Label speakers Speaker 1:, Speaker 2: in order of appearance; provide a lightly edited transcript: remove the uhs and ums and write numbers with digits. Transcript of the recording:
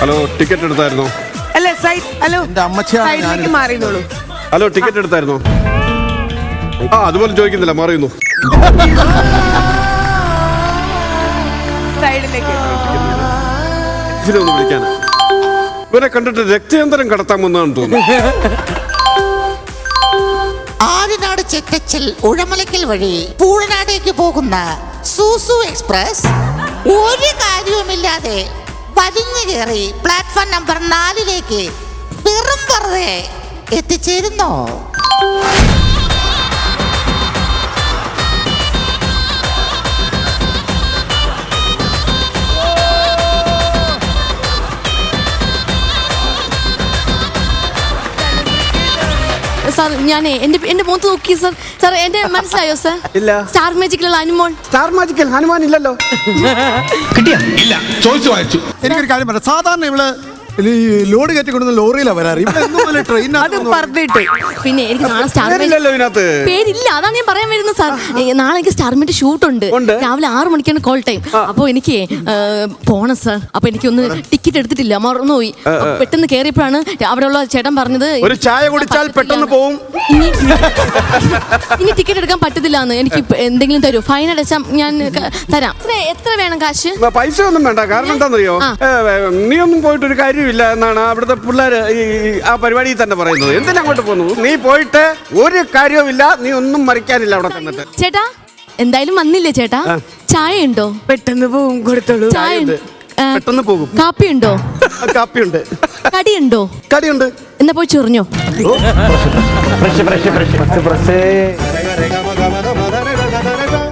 Speaker 1: Hello, ticket എടുത്തായിരുന്നോ?
Speaker 2: അല്ല side, hello സൈഡിലേക്ക് മാറിയതോളൂ.
Speaker 1: Hello, ticket എടുത്തായിരുന്നോ? അതുപോലെ ചോദിക്കുന്നില്ല, മാറിയുന്നു.
Speaker 2: സൈഡിലേക്ക്
Speaker 1: ഒന്ന് വിളിക്കാൻ. ഇവരെ കണ്ടിട്ട് രക്തയന്തരം കടത്താമെന്നാണ് തോന്നുന്നു.
Speaker 3: ആര്യനാട് ചെറ്റച്ചൽ ഉഴമലക്കൽ വഴി പൂഴനാടേക്ക് പോകുന്ന സൂസു എക്സ്പ്രസ് ഒരു കാര്യവുമില്ലാതെ വലിഞ്ഞു കയറി പ്ലാറ്റ്ഫോം നമ്പർ 4 വെറും വെറുതെ എത്തിച്ചേരുന്നു.
Speaker 4: സാർ ഞാനേ എന്റെ മുഖത്ത് നോക്കി സാർ. സാർ എന്റെ മനസ്സിലായോ സാർ?
Speaker 1: ഇല്ല.
Speaker 4: സ്റ്റാർ മാജിക്കിലുള്ള ഹനുമാൻ.
Speaker 1: സ്റ്റാർ മാജിക്കൽ ഹനുമാൻ ഇല്ലല്ലോ.
Speaker 5: കിട്ടിയ ഇല്ല, ചോദിച്ചു വായിച്ചു.
Speaker 6: എനിക്കൊരു കാര്യം പറയാം. സാധാരണ ഇവള് ലോഡ് കയറ്റിക്കൊണ്ടുവന്ന ലോറിയിലാണ് വരാറ്.
Speaker 2: അത് പറഞ്ഞിട്ട്
Speaker 4: പിന്നെ എനിക്ക് നാളെ സ്റ്റാർ
Speaker 1: ഇതിനകത്ത്
Speaker 4: പേരില്ല, അതാണ് ഞാൻ പറയാൻ വരുന്നത് സാർ. നാളെ എനിക്ക് സ്റ്റാർമിന്റെ ഷൂട്ട് ഉണ്ട്. രാവിലെ 6 മണിക്കാണ് കോൾ ടൈം. അപ്പൊ എനിക്ക് പോണം സാർ. അപ്പൊ എനിക്കൊന്ന് ടിക്കറ്റ് എടുത്തിട്ടില്ല, മറന്നുപോയി. പെട്ടെന്ന് കയറിയപ്പോഴാണ് അവിടെയുള്ള ചേട്ടൻ പറഞ്ഞത്
Speaker 1: ഒരു ചായ കുടിച്ചാൽ പെട്ടെന്ന് പോവും.
Speaker 4: ഇനി ടിക്കറ്റ് എടുക്കാൻ പറ്റത്തില്ല എന്ന്. എനിക്ക് എന്തെങ്കിലും തരൂ, ഫൈൻ അടച്ചാൽ ഞാൻ തരാം. എത്ര വേണം കാശ്?
Speaker 1: പൈസ ഒന്നും വേണ്ട. കാരണം എന്താണെന്നറിയോ, നീ ഒന്നും പോയിട്ട് ഒരു കാര്യമില്ല എന്നാണ് അവിടുത്തെ പിള്ളേര് ആ പരിപാടിയിൽ തന്നെ പറയുന്നത്. എന്തിനാ അങ്ങോട്ട് പോകുന്നു? നീ പോയിട്ട് ഒരു കാര്യവുമില്ല, നീ ഒന്നും മറിക്കാനില്ല അവിടെ തന്നിട്ട്.
Speaker 4: ചേട്ടാ എന്തായാലും വന്നില്ലേ ചേട്ടാ? ചായ ഉണ്ടോ?
Speaker 2: പെട്ടെന്ന് പോവും, കൊടുത്തോളൂ.
Speaker 4: ചായ
Speaker 1: പെട്ടെന്ന് പോകും.
Speaker 4: കാപ്പി ഉണ്ടോ?
Speaker 1: കാപ്പിയുണ്ട്.
Speaker 4: കടിയുണ്ടോ?
Speaker 1: കടിയുണ്ട്.
Speaker 4: എന്നാ പോയി ചൊറിഞ്ഞോ.